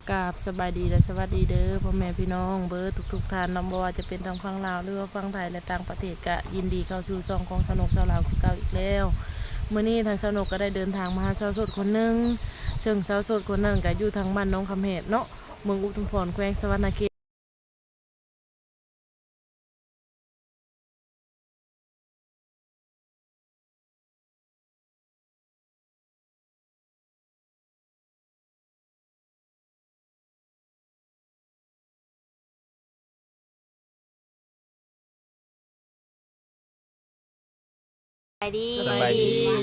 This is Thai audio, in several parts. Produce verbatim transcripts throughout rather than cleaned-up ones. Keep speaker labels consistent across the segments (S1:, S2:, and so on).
S1: กราบสบายดีและสวัสดีเด้อพ่อแม่พี่น้องเบิร์ทุกทุกๆท่านน้องบ่ว่าจะเป็นทางฝั่งลาวหรือว่าฝั่งไทยและต่างประเทศก็ยินดีเข้าสู่ช่องของสนุกสาวลาวคือเก่าอีกแล้วมื้อนี้ทางสนุกก็ได้เดินทางมาหาสาวโสดคนหนึงซึ่งสาวโสดคนนั้นก็อยู่ทางบ้านน้องคำเห็ดเนาะเมืองอุทุมพรแขวงสะหวรรณเขต
S2: ไปดี
S3: สบายดี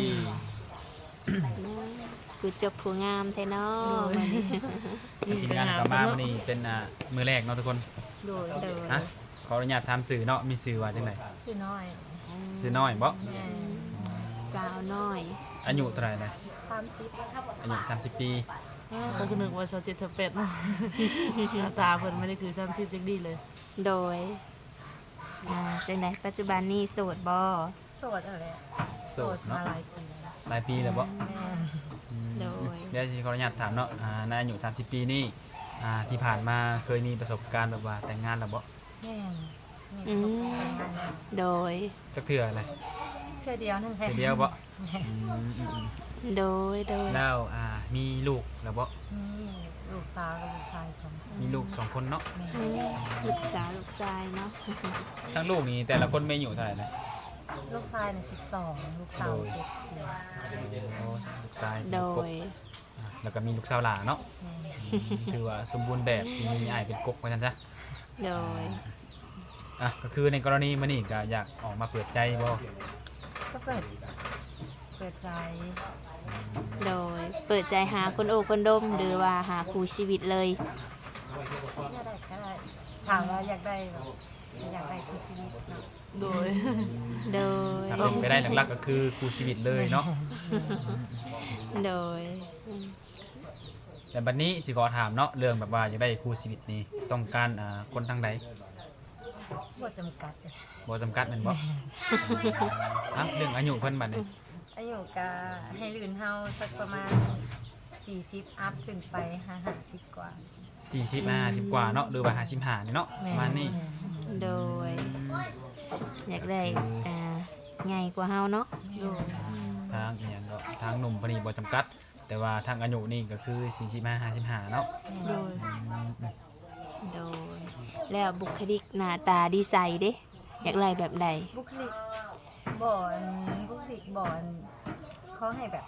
S2: ผู้จบผู้งามแท้เนาะ
S3: ทีมงานกลับมาวันนี้เป็นอ่ามือแรกเนาะทุกคน
S1: โดย
S2: โดย
S3: ฮะขออนุญาตทำสื่อเนาะมีสื่อว่าจังได
S1: ชื่อน้อย
S3: สื่อน้อยบ่
S2: สาวน้อย
S3: อายุเท่าไหร่นะ
S1: สามสิบ
S3: อายุสามสิบปี
S1: ก็คือนึกว่าสาวเจ็ดสาวแปดเนาะหน้าตาเพิ่นไม่ได้คือสามสิบจังดีเลย
S2: โดยอ่าจังไดปัจจุบันนี้โสดบ่
S1: โสดอะไร
S3: โสดเนาะ
S1: มาหลายปี
S3: หลายปีแล้วบ่
S1: แม่
S3: อืม
S2: โดย
S3: เดี๋ยวสิขออนุญาตถามเนาะอ่าในอายุสามสิบปีนี่อ่าที่ผ่านมาเคยมีประสบการณ์แบบว่าแต่งงานแล้วบ่
S1: แม่มี
S2: อื
S1: ประสบ
S2: ม
S1: การณ์งานแล้ว
S2: โดย
S3: จักเทื่ออะไร
S1: เชื่อเดียวนั่นแหละ
S3: เทื่อเดียวบ่อืมอืมอืม
S2: โดยโดย
S3: แล้วอ่ามีลูกแล้วบ่
S1: มีลูกสาวกับลูกชายสองคน
S3: มีลูกสองคนเนาะ
S1: แม่
S2: อืมลูกสาวลูกชายเนาะ
S3: ทั้งลูกนี่แต่ละคนไม่อายู่เท่าไหร่นะ
S1: ลูกชายเนี่ยสิบสองลูกสาวเจ็ดขวบ
S3: โอ้ลูกชาย
S2: โด
S3: กบ
S2: ย
S3: อ่าแล้วก็มีลูกสาวหลาเนาะ
S1: แม่
S3: อืมถือว่าสมบูรณ์แบบที่มีอ้ายเป็นกกว่าซั่นซะ
S2: โดย
S3: อ่ะก็คือในกรณีมื้อนี้ก็อยากออกมาเปิดใจบ่
S1: ก็เปิดเปิดใจ
S2: โดยเปิดใจหาคนโอคนดมหรือว่าหาคู่ชีวิตเลย
S1: อยากได้ก็ได้ถามว่าอยากได้แบบอยากได้คือชีวิตเนาะ
S4: โดย
S2: โดย
S3: ถ้าเป็นไปได้หลักๆก็คือคู่ชีวิตเลยเนาะ
S2: โดยอืม
S3: แต่บัดนี้สิขอถามเนาะเรื่องแบบว่าอยากได้คู่ชีวิตนี่ต้องการอ่าคนทางใด
S1: บ่จำกัด
S3: บ่จำกัดแม่นบ่อ่ะเรื่องอายุเพิ่นบัดนี้
S1: อายุก็ให้ลื่นเฮาสักประมาณสี่สิบอัพขึ้นไปห้าสิบกว่า
S3: สี่สิบ ห้าสิบกว่าเนาะหรือว่าห้าสิบห้านี่เนาะประมาณนี้
S2: โดย อยากได้อ่าใหญ่กว่าเฮาเนาะ
S1: อยู่
S3: ทางอีหยังก็ทางหนุ่มพอดีบ่จำกัด แต่ว่าทางอายุนี่ก็คือสี่สิบห้า ห้าสิบห้าเนาะ
S4: โดย
S3: อืม
S2: โดย แล้วบุคลิกหน้าตาดีไซน์เด้อยากได้แบบใด
S1: บุคลิกบ่อนบุคลิกบ่อนเขาให้แบบ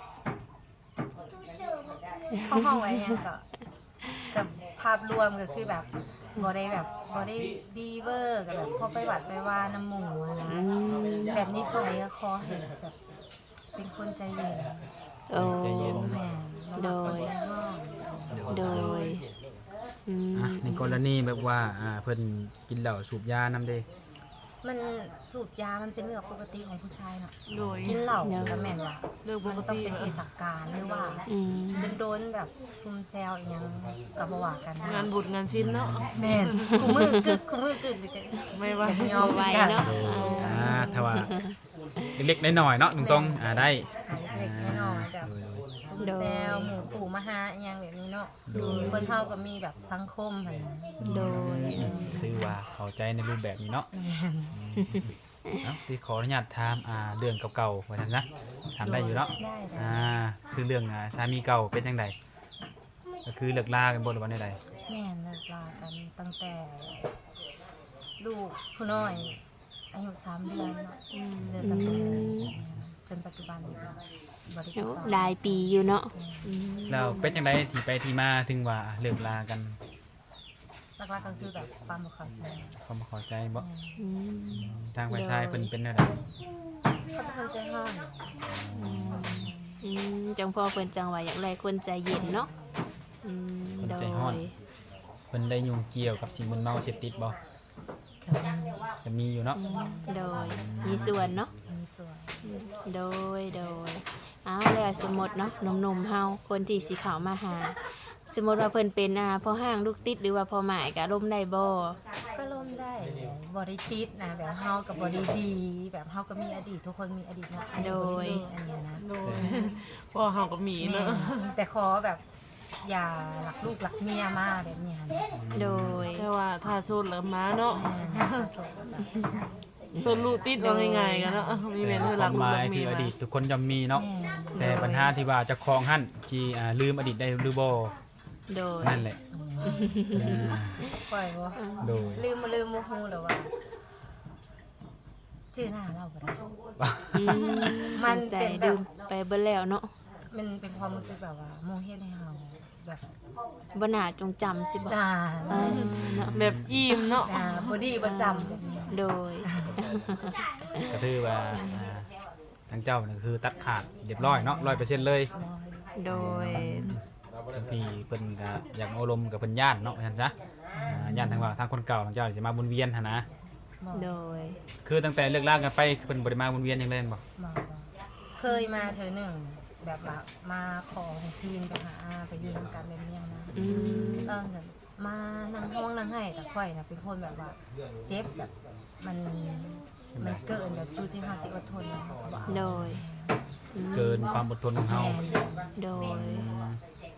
S1: เขาห้องไว้ยังก็กับภาพรวมก็คือแบบบ่ได้แบบบ่ได้ดีเวอร์กับแบบพอไปวัดไปว่าน้ำหมูอะนะ
S2: อืม
S1: แบบนิสัยก็ขอให้แบบเป็นคนใจเย็น
S2: โอ้
S3: ใจเย็น
S1: แม่
S2: โดย
S1: ใจห้อง
S2: โดยอืม
S3: อ่ะในกรณีแบบว่าอ่าเพิ่นกินเหล้าสูบยานำเด้
S1: มันสูบยามันเป็นเรื่องปกติของผู้ชายเนาะ
S4: โดย
S1: กินเหล้าก็แม่นว่า
S4: เรื่องป
S1: มัน
S4: ก
S1: ต้อง
S4: ติ
S1: เป็นเทศกาลหรือว่า
S2: อืม
S1: เป็นโดนแบบชุมแซวอีกอย่างกับบ่ว่ากัน
S4: งานบุญงานชิ้นเนาะ
S1: แม่นกูมือกึกกูมือกึกเลยกัน
S4: ไม่ว่า
S1: จะยอม
S2: ไว้
S1: กัน
S2: เนาะ
S3: อ่าถ้าว่าเล็กๆน้อยๆเนาะตรงๆอ่าได้
S1: หาเล็กๆน้อยๆแบบชุมแซวหมู่ปู่มาหาอีหยังแบบนี้เนาะคนเฮาก็มีแบบสังคมหั่นนะ
S2: โดย
S3: คือว่าเข้าใจในรูปแบบนี้เนาะเอ้าที่ขออนุญาตถามอ่าเรื่องเก่าๆว่าซั่นนะถามได้อยู่เนาะ
S1: ได้ได้
S3: อ่าคือเรื่องอ่าสามีเก่าเป็นจังไดก็คือเลิกลากันบ่หรือว่าใด
S1: แม่นเลิกลากันตั้งแต่ ลูกผู้น้อย อายุสามเดือนเนาะเดือนตั้งแต่จนปัจจุบันนี้ก็บ่ได้ติด
S2: โอ้
S1: ต่อ
S2: หลายปีอยู่เนาะอืม
S3: ๆแล้วเป็นจังไดที่ไปที่มาถึงว่าเลิกลากัน
S1: หลักๆก็คือแบบความบ่เข้าใจ
S3: เขาบ่เข้าใจบ่
S2: อืม
S3: ทางฝ่ายชายเพิ่นเป็นจังได
S1: เขาเป็นคนใจห้อน
S2: อืมจังพ่อเพิ่นจังว่าอยากได้คนใจเย็นเนาะอืมโดย
S3: เพิ่นได้ยุ่งเกี่ยวกับสิ่งมึนเมาเสพติดบ่ จะมีอยู่เนาะ
S2: โดยมีส่วนเนาะ
S1: มีส่วน
S2: โดยโดยอ้าวแล้วสมมติเนาะหนุ่มๆเฮาคนที่สิเข้ามาหา สมมติว่าเพิ่นเป็นอ่าพ่อห้างลูกติดหรือว่าพ่อหมายก็ร่มได้บ่
S1: ก็ล่มได้บริติดนะแบบเฮากับบริดี แบบเฮาก็มีอดีตทุกคนมีอดีตเนาะอันนี้บ่ได้เลิกอันเนี้ยนะ
S4: โดยพ่อเฮาก็มี
S1: แม่
S4: เนาะ
S1: แต่ขอแบบ
S4: อย่าหลักลูกหลักเมียมาแบบนี้ค่ะ
S2: โดย
S1: แต่ว่าถ้าโซนแล้วมาเนาะ
S4: แม่นโสดแบบ
S1: โซนลูกติดว่าง่ายๆกันเนาะมีแม่นเธอ
S3: ค
S1: รั
S3: วาก ม
S1: ลู
S3: ห
S1: ก
S3: มา
S1: รั
S3: ย
S1: กเมี
S3: ที่
S1: ย
S3: อ
S1: มา
S3: ดีตทุกคนย่อมมีเนาะ
S4: แม่น
S3: แต่ปัญหาที่ว่าเจะครองหั่นที่อ่าลืมอดีตได้หรือบ่
S2: โดย
S3: นั่นแหละอ่า
S4: ปล่อยบ่
S3: โดย
S4: ลืมมาลืมบ่ฮู้แล้วว่าชื่อหน้าเราบ่ได้
S2: อืม
S4: มัน
S2: สงสัย
S4: เป็นแบบ
S2: ลืมไปเบิดแล้วเนาะ
S4: มันเป็นความรู้สึกแบบว่าโมเฮ็ดให้เฮาแบบ
S2: บ่น่าจงจำสิบ่
S4: ด่า
S2: เออเนาะ
S1: แบบอิ่มเนาะ
S4: ด่าบ่ดีบ่จำแบบนี้
S2: โดย
S3: ก็คือว่าอ่าทางเจ้านี่คือตัดขาดเรียบร้อยเนาะร้อยเปอร์เซ็นต์เลย
S2: โดย
S3: บางทีเพิ่นก็อยากเอาอารมณ์กับเพิ่นย่านเนาะว่าซั่นซะอ่าย่านทางว่าทางคนเก่าทางเจ้าสิมาวนเวียนหั่นนะ
S2: โดย
S3: คือตั้งแต่เลิกลากันไปเพิ่นบ่ได้มาวนเวียนหยังเลยแม่นบ่
S4: บ่บ่เคยมาเธอหนึ่งแบบว่ามาขอให้คืนไปหาอาไปอยู่นำกันแบบนี้นะ
S2: อืม
S4: เออแบบมานั่งห้องนั่งให้แต่ข่อยน่ะเป็นคนแบบว่าเจ็บแบบมันมันเกินแบบจุดที่เฮาสิอดทนนะเขาก็บอก
S2: โดยอืม
S3: เกินความอดทนของเฮา
S2: โดย
S3: อืม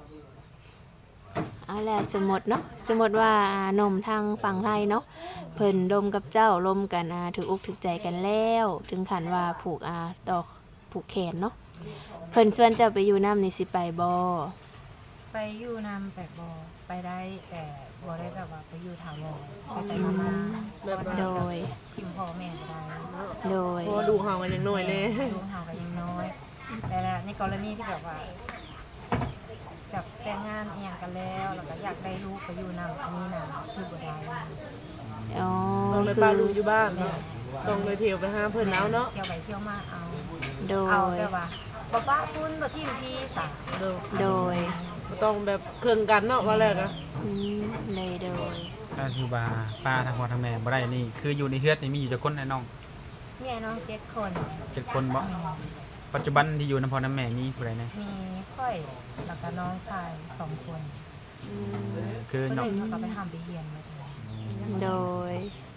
S2: เอาแหละสมมติเนาะสมมติว่าอ่านมทางฝั่งไทยเนาะเพิ่นลมกับเจ้าลมกันอ่าถืออกถือใจกันแล้ว ถึงขันว่าผูกอ่าต่อผูกแขนเนาะเพิ่นชวนเจ้าไปอยู่น้ำนี่สิไปบ่
S4: ไปอยู่นำแบบบ่ไปได้แต่บ่ได้แบบว่าไปอยู่ถาวรไปไปมา
S1: แบบว่า
S2: โดย
S4: ๆทิมพ่อแม่ก็ได้
S2: โดย
S1: เพราะว่าดูเฮากันยังน้อยแน่
S4: ลูกเฮาก็ยังน้อย แต่ละในกรณีที่แบบว่าแบบแต่งงานอีหยังกันแล้วแล้วก็อยากได้ลูกไปอยู่นำอันนี้น่ะคือบ่ได้
S2: อ๋อ
S1: ต้องเลย
S2: คื
S1: ปลา
S2: อ
S1: ลูกอยู่บ้านเนาะต้องเลยเที่ยวไปหาเพิ่นเอาเนาะ
S4: เที่ยวไปเที่ยวมาเอา
S2: โด
S4: เอา
S2: ย
S4: แบบว่าบ่ป้าพุ่นบ่ทิมพี่สา
S1: เด้อ
S2: โดย
S1: บ่ต้องแบบเครื่องกันเนาะว่าแรกอะ
S2: อืมเลยโดย
S3: ถ้าที่ว่าป้าทางพ่อทางแม่บ่ได้นี่คืออยู่ในเฮือดนี่มีอยู่จักคนไอ้น้อง
S4: มีไอ้น้องเจ็ดคน
S3: เจ็ดคนบ่ปัจจุบันที่อยู่นำพ่อนำแม่มีผู้ใดแน่
S4: มีค่อยแล้วก็น้องชายสองคน
S3: คือ
S4: คนห
S3: น้อง
S4: นึ่งเขาก็ไปทำไปเรียนมาเลย
S2: โดย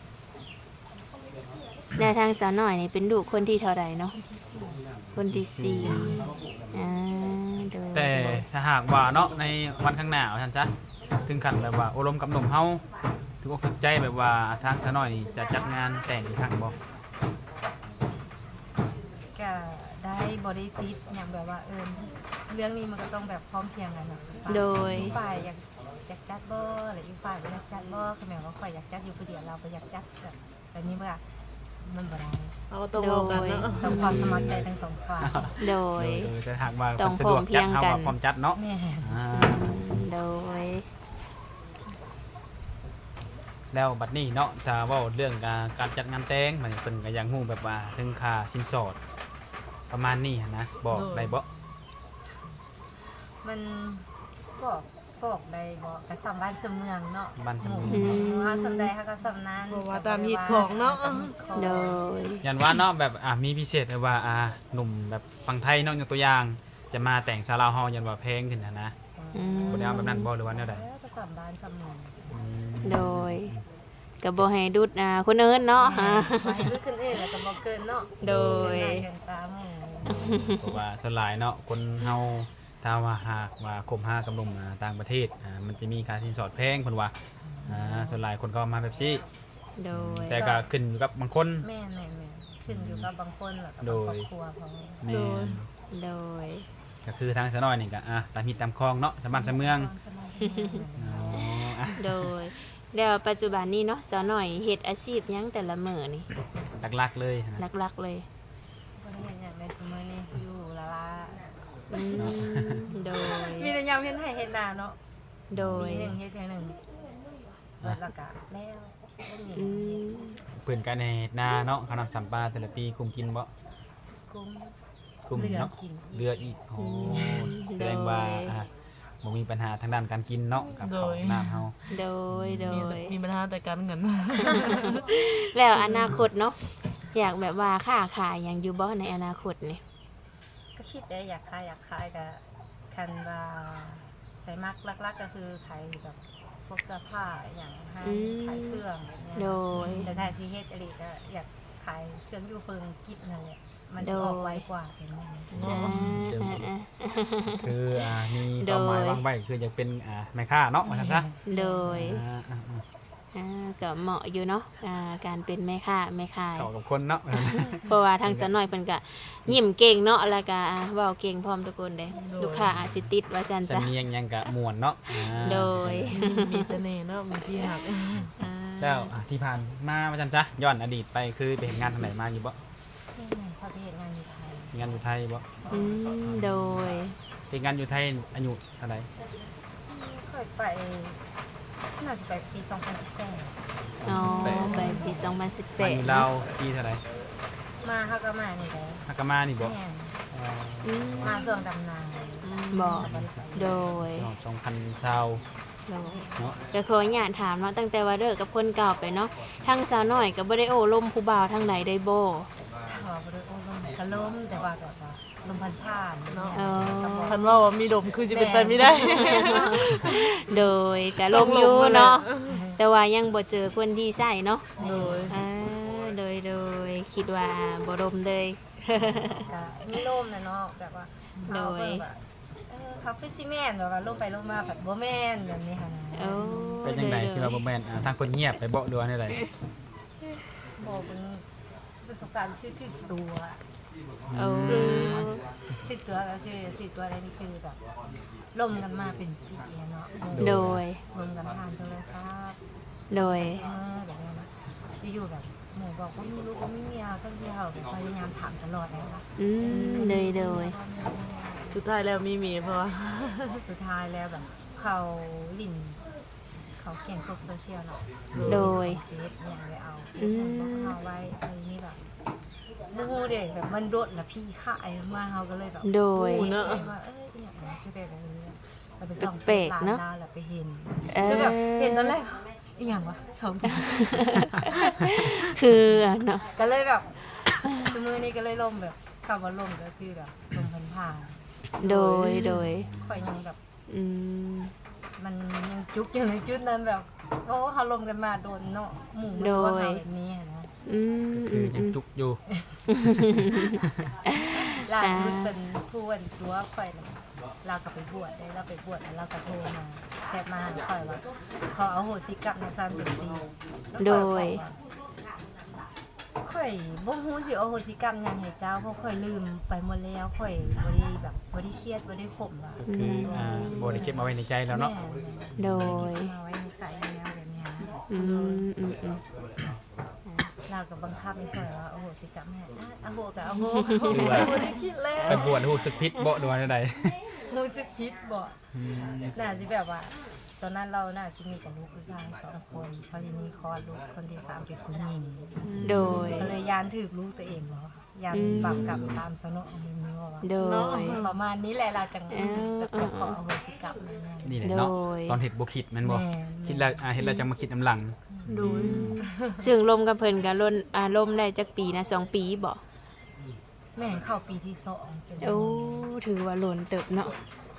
S2: แนวทางสาวหน่อยนี่เป็นลูกคนที่เท่าใดเนาะคนที่สี่อ่าโดย
S3: แต่ถ้าหากว่าเนาะในวันข้างหน้าว่าซั่นจ้ะถึงขั้นแบบว่าอบรมกับหนุ่มเฮาถึงอกถึงใจแบบว่าทางซะหน่อยนี่จะจัดงานแต่งอีกครั้งบ่
S4: ก็ได้บริติดอย่างแบบว่าเออเรื่องนี้มันก็ต้องแบบพร้อมเพรียงกันนะ
S2: โดย
S4: อีกฝ่ายอยากอยากจัดบ่หรืออีกฝ่ายบ่อยากจัดบ่คือหมายว่าฝ่ายอยากจัดอยู่ผู้เดียวเราไปอยากจัดแบบแบบนี้เมื่อมันบ่ได้
S1: เอาต้องเอากันเนาะ
S4: ต้องความสมัครใจทั้งสองฝ่าย
S2: โด
S3: โด
S2: ย
S3: ยจะหากว่า
S2: ต้อง
S3: เพิ่นสะดวกจัด
S2: พร้
S3: เฮา
S2: อมเพรียงกัน
S3: ก็พร้อมจัดเนาะ
S4: แม่
S3: อ่า
S2: อืมโดย
S3: แล้วบัดนี้เนาะถ้าเว้าเรื่องการการจัดงานแต่งมันเพิ่นก็อยากฮู้แบบว่าถึงค่าสินสอด ประมาณนี้หั้นนะบอกได้บ่
S4: มันก็บอกได้บ่ก็สำบ้านสำเมืองเนาะ
S3: บ้านสำเมือง
S4: หมู่เฮาสำใดเฮาก็สำนั้น
S1: เพราะว่าตามฮิตของเนาะ
S2: โดย
S3: ยันว่าเนาะแบบอ่ะมีพิเศษแบบว่าอ่าหนุ่มแบบฝั่งไทยเนาะยกตัวอย่าง จะมาแต่งซาลาวเฮายันว่าแพงขึ้นนะนะ
S2: อืม
S3: บ่ได้เอาแบบนั้นบ่หรือว่าแนวใด
S4: แล้วก็สำบ้านสำเมือง
S3: อืม
S2: โดยก็บ่ให้ดุดอ่าคนอื่นเนาะอ่า
S4: ไปลึกขึ้นเองแล้วก็บ่เกินเนาะ
S2: โดย
S4: เกินหน้าเกินตาหมู่
S3: เพราะว่าส่วนหลายเนาะคนเฮาถ้าว่าหากว่าคบหากับหนุ่มอ่าต่างประเทศอ่ามันจะมีค่าสินสอดแพงเพิ่นว่าอ่าส่วนหลายคนก็มาแบบนี้
S2: โดย
S3: แต่ก็ขึ้นอยู่กับบางคน
S4: แม่นแม่นแม่นขึ้นอยู่กับบางคนแล้วก็
S3: โด
S4: บาง
S3: ย
S4: ครอบครัวเขา
S3: แม่น
S2: โดย
S3: ก็คือทางสะน้อยนี่ก็อ่ะตามฮิตตามคลองเนาะสมบ้านสะเมือง
S4: สบายๆ
S3: อ๋ออ่ะ
S2: โดยแล้วปัจจุบันนี้เนาะสาวหน่อยเฮ็ดอาชีพหยังแต่ละมื้อนี่
S3: หลักๆเลยนะ
S2: หลักๆเลย
S4: บ่ได้เห็นอย่างในซุมื้อนี้อยู่ละละ
S2: อืมโดย
S4: มีแต่ยามเฮ็ดให้เฮ็ดนาเนาะ
S2: โดย
S4: ปีหนึงเฮ็ดเทื่อหนึงเบิดและกะแล้วบ่มี
S2: อืม
S3: เปื่นการในนาเนาะเขานำสัมปลาแต่ละปีกุมกินบ่
S4: กุ้ง
S3: กุม
S4: เหลือ
S3: เนาะ
S4: กิน
S3: เรืออีกโอ้แสดงว่าอ่ะบ่มีปัญหาทางด้านการกินเนาะกับข้าวน้ำเฮา
S2: โดยโด
S1: มี
S2: ย
S1: แต่มีปัญหาแต่การเงิน
S2: แล้วอนาคตเนาะอยากแบบว่าค้าขายหยังอยู่บ่ในอนาคตนี่
S4: ก็คิดได้อยากขายอยากขายก็คันว่าใจมักลักๆก็คือขายแบบพวกเสื้อผ้าอหย่างให้ขายเครื่องแบบเนี้ย
S2: โดย
S4: แต่ถ้าสิเฮ็ดอีหลีก็อยากขายเครื่องอยู่เฟิงกิบนั่นแหละ
S2: อ
S4: มันจะออกไวกว่าเป็นไง
S2: อ่า
S3: เดี๋ยว
S2: อ่าอ่า
S3: คืออ่ามี
S2: โด
S3: เป้าย หมายวางไว้คืออยากเป็นอ่าแม่ค้าเนาะว่าซั่นซะ
S2: โดย
S3: อ่าอ่าอ่า
S2: อ่าก็เหมาะอยู่เนาะอ่าการเป็นแม่ค้าแม่ขาย
S3: เข้ากับคนเนาะ
S2: เพราะว่าทางสาวน้อยเพิ่นก็ยิ้มเก่งเนาะแล้วก็อ่าเว้าเก่งพร้อมทุกคนเด้ลูกค้าอาจสิติดว่าซั่น
S3: สำ
S2: ซะ
S3: เนียงหยังกะม่วนเนาะอ่า
S2: โดย
S1: มีเสน่ห์เนาะมีสีหัก
S2: อ่า
S3: แล้วอ่ะที่ผ่านมาว่าซั่นซะย้อนอดีตไปคือไปเฮ็ดงานทางไหนมาอยู่บ่
S4: ที่ไหนเขาไปเฮ็ดงานอยู่ไทย
S3: งานอยู่ไทยบ่
S2: อืมโดย
S3: เฮ็ดงานอยู่ไทยอายุเท่าไหร่
S4: เคยไปน่าจะไปปีสองพันสิบแปด
S2: อ๋อไปปีสองพันสิบแป
S3: มา
S2: ด
S3: อยู่ลาวปีเท่าไหร่
S4: มาเฮาก็มานี่แหละ
S3: ฮักกะมานี่บ่
S4: แม่น
S3: อ๋อ
S2: อืม
S4: มาช่วงดำนา
S2: บ่โดย
S3: สองพันชาว
S2: โดย
S3: เนาะ
S2: ก็ขออนุญาตถามเนาะตั้งแต่ว่าเลิกกับคนเก่าไปเนาะทางสาวน้อยก็บ่ได้โอ้ลมผู้บ่าวทางไหนได้บ่
S4: ขอบ่ได้โอ้ลมก็ล้มแต่ว่าแบบว่าลมพันผ่านเนาะ
S2: อ๋อ
S1: คันว่าว่ามีดมคือสิเป็นไปไม่ได้
S2: โดยก็ลมอยู่เนาะแต่ว่ายังบ่เจอคนที่ใส่เนาะ
S1: โดย
S2: อ่าโดยโดยคิดว่าบ่ลมเลย
S4: ก็มีลมนะเนาะแบบว่า
S2: โดย
S4: เขาก็แบบเออเขาคือซีเมนต์แบบว่าลมไปลมมาแบบบ่แม่นแบบนี้ค่ะนะ
S2: โอ้
S3: เป็นจังไดคือว่าบ่แม่นอ่าทางเพิ่นเงียบไปบ่ดูว่าได้ได
S4: บอกเป็นประสบการณ์คือถึกตัว
S2: โอ้
S4: ถึกตัวก็คือถึกตัวอะไรนี่คือแบบลมกันมาเป็นปีเนาะ
S2: โดย
S4: ลมกันผ่านโทรศัพท์
S2: โดย
S4: เออแบบนี้นะอยู่ๆแบบหมูบอกว่ามีลูกว่าไม่มีเอาก็ที่เขาพยายามถามตลอดเลยค่ะ
S2: อืมโดยโดย
S1: สุดท้ายแล้วมีมีเพราะว่า
S4: สุดท้ายแล้วแบบเขาลินเขาเก่งพวกโซเชียลเนาะ
S2: โดย
S4: เฟซเนี่ยเลยเอา
S2: อืม
S4: บอกเขาไว้อะไรนี้แบบบูเด็กแบบมันโดดนะพี่ขายมาเขาก็เลยแบบ
S2: โดย
S4: ใจว่าเอ้ยอย่างนี้คือแบบนี้เราไปส่อง
S2: แปลกๆเนอะ
S4: ร้แล้วไปเห็น
S2: เออ
S4: คือแบบเห็นตอนแรกอหย่างวะสอง
S2: คือเนาะ
S4: ก็เลยแบบชั่วโมงนี้ก็เลยล่มแบบคำว่าล่มก็คือแบบลมพันผ่าน
S2: โดยโดย
S4: ข่อยยังแบบ
S2: อืม
S4: มันยังจุกอยู่ในจุดนั้นแบบโอ้เขาลมกันมาโดนเนาะหมู่มัน
S2: โดย
S4: ว่าเขาแบบนี้อะนะ
S2: อืม
S3: คื
S2: อื
S3: อ
S2: ม
S3: ยังจุกอยู่
S4: ล่าสุดเป็นผู้วันตัวข่อยน่ะเรากลับไปบวชได้เราไปบวชแล้วเราก็โทรมาแซบมาข่อยว่าขอเอาโหสิกรรมในซันเป็นซีแล้วข่อบอกว่าข่อยบ่ฮู้สิเอาโหสิกรรมหยังให้เจ้าเพราะข่อยลืมไปหมดแล้วข่อยบ่ได้แบบบ่ได้เครียดบ่ได้ข่มว่า
S3: ก็คืออ่าบ่ได้เก็บเอาไว้ในใจแล้วเนาะ
S2: โดย
S4: มาไว้ในใจแล้วแบบเนี้ย
S2: อืมอืมอืม
S4: เราก็บังคับไม่ค่อยว่าโอ้โหสิกรรมแม่อ่ะเอาโหกับเอาโห
S3: คือว่า
S4: บ่ได้คิดแล้ว
S3: ไปบวชรู้สึกผิดบ่ดูว่าได้ได
S4: รู้สึกผิดบ่
S3: อืม
S4: น่าสิแบบว่า ตอนนั้นเราน่าสิมีกับลูกผู้ชายสองคนพอทีนี้คลอดลูกคนที่สามเป็นผู้หญิง
S2: โดย
S4: ก็เลยยานถือลูกตัวเองเหรอยาน
S2: อืม
S4: บาปกรรมตามสนองมีมีว่า
S2: โดย
S4: ประมาณนี้แหละเราจัง
S2: เออ
S4: แบบจะขออโหสิกรรมนั่นแหละ
S3: นี่แหละเนาะ
S2: โดย
S3: ตอนเฮ็ดบ่คิดแม่นบ่
S4: แม่น
S3: คิดแล้วอ่าเฮ็ดแล้วจังมาคิดน้ำหลัง
S1: โดย
S2: ซึ่งลมกับเพิ่นก็ล่นอ่าลมได้จักปีนะสองปีบ่
S4: แม่งเข้าปีที่สองเป็น
S2: โอ้ถือว่าหล่นเติบเนาะ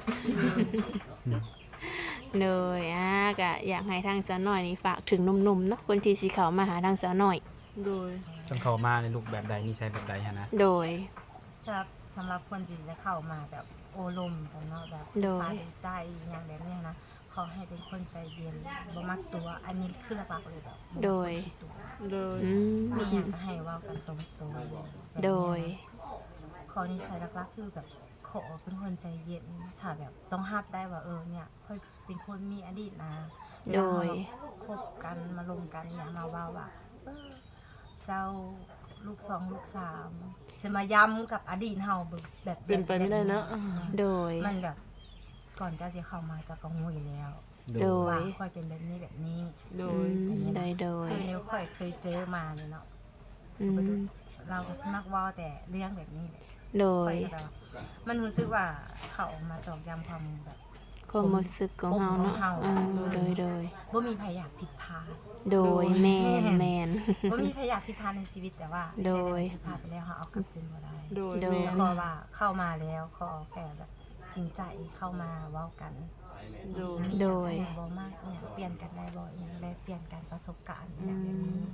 S2: เลยอ่ะก็อยากให้ทางสาวน้อยนี่ฝากถึงหนุ่มๆเนาะคนที่สิเข้ามาหาทางสาวน้อย
S1: โดย
S3: ต้องเข้ามาในรูปแบบใดนิสัยแบบใดฮะนะ
S2: โดย
S4: จะสำหรับคนที่จะเข้ามาแบบโอลมกันเนาะแบบ
S2: โดย
S4: สายใจอย่างแบบนี้นะขอให้เป็นคนใจเย็นบ่มักตัว อันนี้คือหลักๆเลยแบบบ่มัก
S2: โดย
S4: ตัว
S1: โดย
S2: อืม
S4: มีอย่างก็ให้เว่ากันตรงๆแบบนี้นะ
S2: โดย
S4: ขอนิสัยหลักๆคือแบบขอเป็นคนใจเย็นถ้าแบบต้องห้ามได้ว่าเออเนี่ยค่อยเป็นคนมีอดีตนะ
S2: โดย
S4: คบกันมาลงกันอย่ามาว่าว่าเออเจ้าลูกสองลูกสามจะมาย้ำกับอดีตเฮาแบบ
S1: เป็นไปไม่ได้เนอะ
S2: โดย
S4: มันแบบก่อนเจ้าจะเข้ามาเจะก็งูอยู่แล้ว
S2: โดย
S4: ว่าค่อยเป็นแบบนี้แบบนี้
S1: โด
S2: อื
S1: ย
S2: มโดยโดย
S4: คือนิ้วค่อยเคยเจอมาเลยเนาะ
S2: อืม
S4: เราก็สมักเว่าแต่เรื่องแบบนี้แหละ
S2: โด
S4: ค่อย ยก็แบบว่ามันรู้สึกว่าเขาออกมาตอกย้ำความแบบ
S2: ความรู้สึกของเฮาเนาะ
S4: ของเฮา
S2: อ่าโดยโดย
S4: ว่ามีใครอยากผิดพลาด
S2: โดยแมนแมน
S4: ว่ามีใครอยากผิดพลาดในชีวิตแต่ว่า
S2: โดย
S4: ผิดพลาดไปแล้วเขาเอากลับคืนมาได้
S1: โดย
S2: โดย
S1: แม่
S4: แล้วก็ว่าเข้ามาแล้วขอแค่แบบจริงใจเข้ามาเว้ากัน
S1: โดย
S2: โดย
S4: มีอย่างบ่มากเนี่ยเปลี่ยนกันได้บ่อย่างได้เปลี่ยนกันประสบการณ์อย่างแบบนี้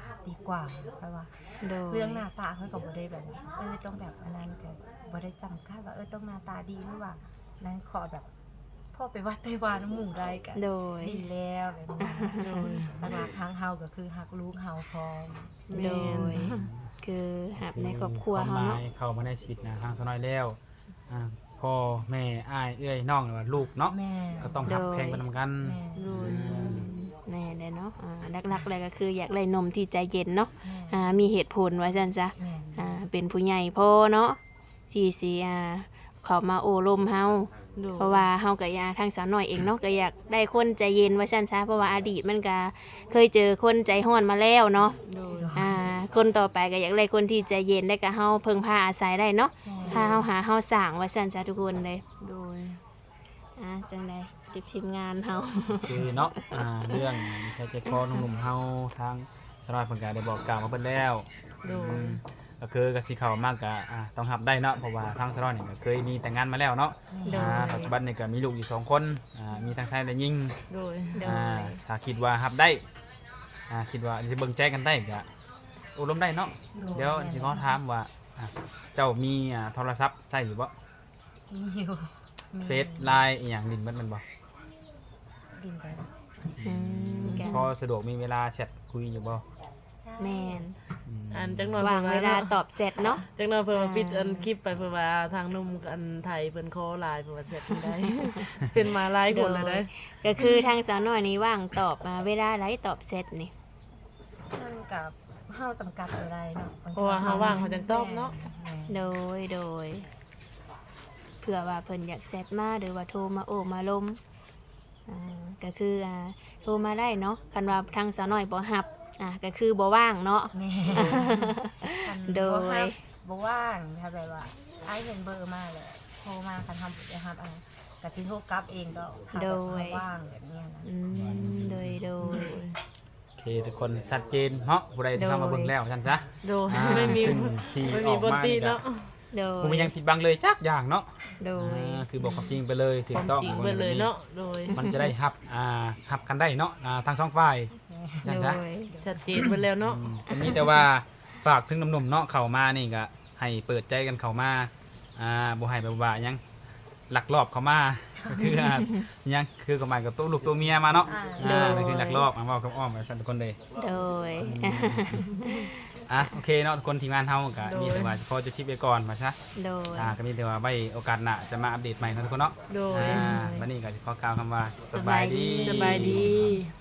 S4: ดีกว่าเพราะว่า
S2: โดย
S4: เรื่องหน้าตาเขาก็บ่ได้แบบเออต้องแบบอันนั้นก็บ่ได้จำกัดว่าเออต้องหน้าตาดีหรือว่านั้นขอแบบพ่อไปวัดไปวาน้ำหมู่ได้กัน
S2: โดย
S4: ดีแล้วแบบนี้หลักๆทางเฮาก็คือฮักลูกเฮาพร้อม
S2: โดย คือหับในครอบครัวเฮา
S3: ควมห
S2: เนาะ
S3: มยเข้ามาในชีวิตนะทางสน้อยแล้วอ่าพ่อแม่อ้ายเอ้ยน้องหรือว่าลูกเนาะ
S4: แม่
S3: ก็ต้องทับแข่งกันนำกัน
S4: แม่
S1: โดย
S2: แน่เลยเนาะอ่าหลักๆเลยก็คืออยากได้นมที่ใจเย็นเนาะ
S4: แม่
S2: อ่ามีเหตุผลว่าซั่นซะ
S4: แม่
S2: อ่าเป็นผู้ใหญ่พ่อเนาะที่สิอ่าเขามาโอ้ลมเฮา
S1: โดย
S2: เพราะว่าเฮาก็อยากทางสาวน้อยเองเนาะก็อยากได้คนใจเย็นว่าซั่นซะเพราะว่าอดีตมันก็เคยเจอคนใจร้อนมาแล้วเนาะ
S1: โดย
S2: อ่าคนต่อไปก็อยากได้คนที่ใจเย็นได้ก็เฮาเพิ่งพาอาศัยได้เนาะพาเฮาหาเฮาสร้างว่าซั่นซะทุกคนเลย
S1: โดย
S2: อ่าจังได๋จิบทีมงานเฮา
S3: คือเนาะอ่าเรื่องใช้ใจคอหนุ่มๆเฮาทางสน้อยเพิ่นก็ได้บอกกล่าวมาเพิ่นแล้ว
S1: โด
S3: อื
S1: ย
S3: มก็คือกสิเข้ามากก็อ่าต้องรับได้เนาะเพราะว่าทางสน้อยนี่ก็เคยมีแต่งงานมาแล้วเนาะ
S2: โดย
S3: อ่าปัจจุบันนี่ก็มีลูกอยู่สองคนอ่ามีทั้งชายและหญิง
S1: โดย
S2: โด
S3: อ่าย ถ้าคิดว่ารับได้อ่าคิดว่าสิเบิ่งใจกันได้ก็อบรมได้เนาะเดี๋ยวสิขอถามว่าอ่าเจ้ามีอ่าโทรศัพท์ใช้อยู่บ่
S4: มีอยู่มี
S3: เฟซไลน์อีหยังดินเบิดแมันบ่
S4: กินไป
S2: อืมแก
S3: พอสะดวกมีเวลาแชทคุยอยู่บ่
S2: แม่น
S3: อืม
S1: อันจักหน่อย
S2: ว่างเวลาตอบเสร็จเนาะ
S1: จักหน่อยเพิ่นมาปิด
S2: อ่า
S1: อันคลิปไปเพิ่นว่าทางหนุ่มอันไทยเพิ่นขอไลน์เพิ่นว่าเสร็จได้ เป็นมาหลายคนแล้วได้
S2: ก็คือทางสาวน้อยนี่ว่างตอบมาเวลาไรตอบเสร็จนี่
S4: มันกับเฮาจำกัดอะไรเนาะบงที
S1: เพราะว่าเฮาว่างเฮาจังตอบเนาะ
S4: แม่
S2: โดยโดยเผื่อว่าเพิ่นอยากแซดมาหรือว่าโทรมาโอ้มาลมอ่าก็คืออ่าโทรมาได้เนาะคันว่าทางสาวน้อยบ่รับอ่าก็คือบ่ว่างเนาะ
S4: แม่ คัน
S2: โดย
S4: บ่ฮับบ่ว่างถ้าแบบว่าอ้ายเห็นเบอร์มาเลยโทรมาคันทำบ่ได้รับอันก็สิโทรกลับเองก็ถ้าแบบเฮาว่างแบบเนี้ยนะ
S2: อืมโดยโดย
S3: โอเคทุกคนชัดเจนเนาะผู้ใดที่เข้ามาเบิ่งแล้วท่านซะ
S1: โดย
S3: อ่า
S1: ไม่มี
S3: ซึ่งที่
S1: ไม่
S3: อ
S1: มี
S3: อก
S1: บน
S3: มา
S1: ตี
S3: นี่ก็
S1: เนาะ
S2: โดย
S3: ผมมียังผิดบังเลยจักอย่างเนาะ
S2: โดย
S3: อ่าคือบอกความจริงไปเลยถู
S1: ควาก ม
S3: ต้อง
S1: จริงเบิดเลยเนาะโดย
S3: มันจะได้ฮับอ่าฮับกันได้เนาะอ่าทั้งสองฝ่ายท่าน
S2: โด
S3: ซะ
S2: ย
S1: ชัดเจนเบิดแล้วเนาะ
S3: อืมอันนี้แต่ว่าฝากถึงหนุ่มๆเนาะเข้ามานี่ก็ให้เปิดใจกันเข้ามาอ่าบ่ให้แบบว่าหยังลักลอบเข้ามา ก็คืออ่าหยังคือกับหมายกับตัวลูกตัวเมียมาเนาะ
S4: อ่า
S3: อ่านั่นคือลักลอบมาเว้ากับอ้อมไปสั่นทุกคนเลย
S2: โดย
S3: อ่ะโอเคเนาะทุกคนทีมงานเฮาก็มีแต่ว่าพอจะชิปไปก่อนมาซะ
S2: โดย
S3: อ่าก็มีแต่ว่าไว้โอกาสหน้าจะมาอัปเดตใหม่เนาะทุกคนเนาะ
S1: โดย
S3: อ่าวันนี้ก็สิขอกล่าวคำว่าสบายดี
S1: สบายดี